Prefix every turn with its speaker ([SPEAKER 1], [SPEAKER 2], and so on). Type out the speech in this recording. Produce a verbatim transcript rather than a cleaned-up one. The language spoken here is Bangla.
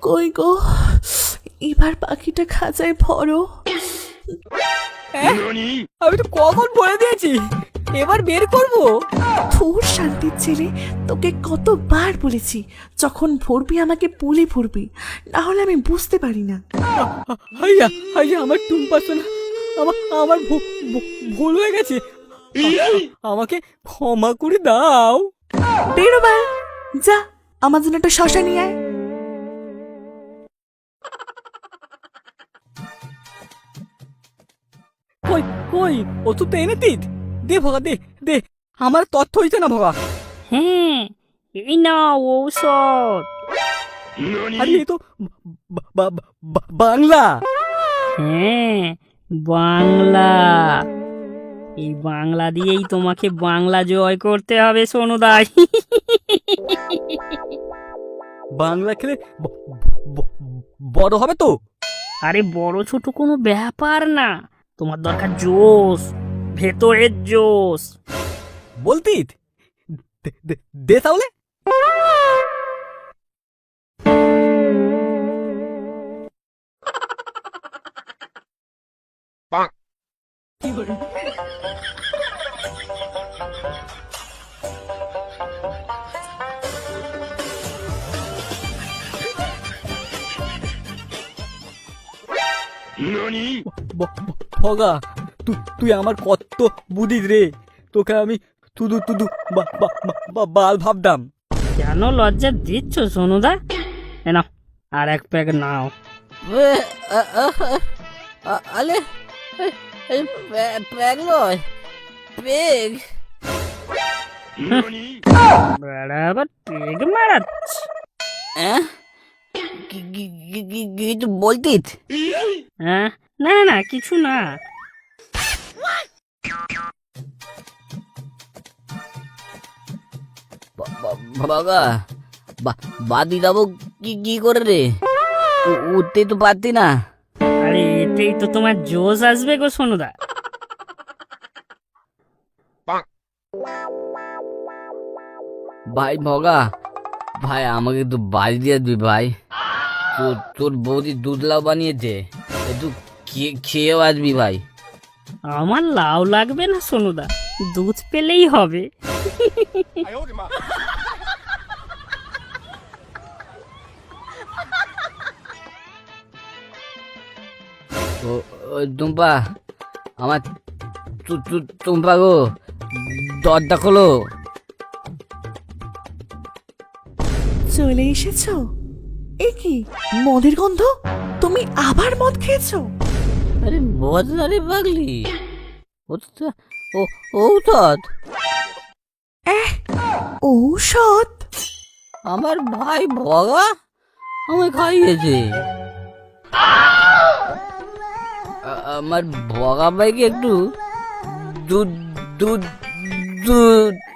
[SPEAKER 1] কই গো, এবার পাখিটা খাঁচায় ভরো।
[SPEAKER 2] আমি তো কখন বলে দিয়েছি এবার বের করব।
[SPEAKER 1] তোর শান্তির ছেলে, তোকে কতবার বলেছি যখন ভরবি আমাকে বলে ভরবি, না হলে আমি বুঝতে পারি না।
[SPEAKER 2] হাইয়া হাইয়া আমার টুম্পা সোনা, আমার আমার ভু- ভু- ভুল হয়ে গেছে, আমাকে ক্ষমা করে দাও।
[SPEAKER 1] বেরোবার যা, আমার জন্য একটা শশা নিয়ে আয়।
[SPEAKER 2] কই কই ওষুধটা এনে দিত, দে ভগা দে দে, আমার তথ্য হইছে না ভগা।
[SPEAKER 3] হ্যাঁ, এই নাও ঔষধ।
[SPEAKER 2] আরে এ তো বা- বা- বা- বাংলা।
[SPEAKER 3] হ্যাঁ, বাংলা। এই বাংলা দিয়েই তোমাকে বাংলা জয় করতে হবে সোনুদাই।
[SPEAKER 2] বাংলা খেলে ব- ব- বড় হবে তো?
[SPEAKER 3] আরে বড় ছোট কোনো ব্যাপার না, তোমার দরকার জোশ, ভেতরের জোশ।
[SPEAKER 2] বলতি দে- দে- দে তাহলে। ব- ব- ভগা, তুই তুই আমার কত বুদ্ধিস রে, তোকে আমি তুদু তুদু বা- বা- বা- বা- বাল ভাবতাম।
[SPEAKER 3] কেন লজ্জা দিচ্ছ সোনুদা? এ নাও আর এক প্যাক নাও।
[SPEAKER 4] আলে প্যাগ নয়, পেগ।
[SPEAKER 3] বেড়া আবার পেগ মারাচ্ছে।
[SPEAKER 4] কিছু বলতিস?
[SPEAKER 3] হ্যাঁ, না না কিছু না।
[SPEAKER 4] বাবা, বাদি যাবো কি কি করে রে? উ- উঠতে তো পারতি না।
[SPEAKER 3] আরে এতেই তো তোমার জোশ আসবে গো সোনুদা।
[SPEAKER 4] ভাই ভগা, ভাই আমাকে একটু বাড়ি দিয়ে দিবি ভাই। তোর তোর বৌদি দুধ লাউ বানিয়েছে, একটু খেয়ে খেয়েও আসবি ভাই।
[SPEAKER 3] আমার লাউ লাগবে না সোনুদা, দুধ পেলেই হবে।
[SPEAKER 4] ও ও টুম্পা, আমার তু- তু- টুম্পা গো, দরজা খোলো।
[SPEAKER 1] চলে এসেছো? এ কি মদের গন্ধ? তুমি আবার মদ খেয়েছো?
[SPEAKER 4] আরে বদনা রে পাগলি, ও তো ও ঔষধ।
[SPEAKER 1] এহ, ঔষধ?
[SPEAKER 4] আমার ভাই ভগা আমায় খাইয়েছে। আ- আমার ভগা ভাইকে একটু দুধ দুধ দুধ